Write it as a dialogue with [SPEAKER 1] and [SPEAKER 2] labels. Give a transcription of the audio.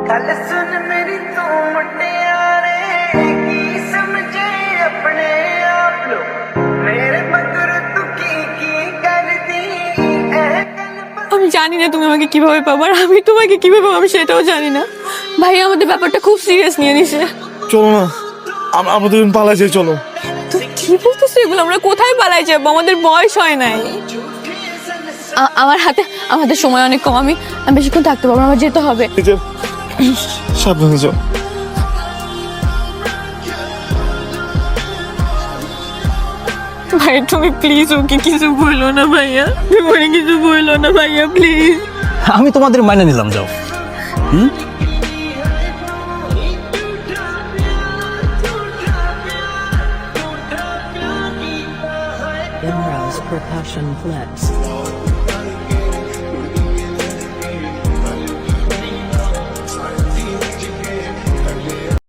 [SPEAKER 1] गल सुन मेरी तू मुटियारे की समझे अपने आप लो मेरे मगर तू की कर दी
[SPEAKER 2] আমি জানি না তুমি আমাকে কিভাবে পাবো আর আমি তোমাকে কিভাবে পাবো আমি সেটাও জানি না। ভাই আমাদের ব্যাপারটা খুব সিরিয়াস নিয়ে নিছে।
[SPEAKER 3] চলো না, আমরা দুজন পালাই যাই, চলো।
[SPEAKER 2] তুই কি বলতেছিস এগুলো? আমরা কোথায় পালাই যাবো? আমাদের বয়স হয় নাই। আমার হাতে আমাদের সময় অনেক কম, আমি বেশিক্ষণ থাকতে পারবো না, আমার যেতে হবে।
[SPEAKER 3] সাবধানে যাও।
[SPEAKER 2] ভাই তুমি প্লিজ ওকে কিছু বলো না ভাইয়া, তুমি কিছু বলো না ভাইয়া প্লিজ।
[SPEAKER 4] আমি তোমাদের মাইনে নিলাম, যাও।
[SPEAKER 5] Imro's percussion flex.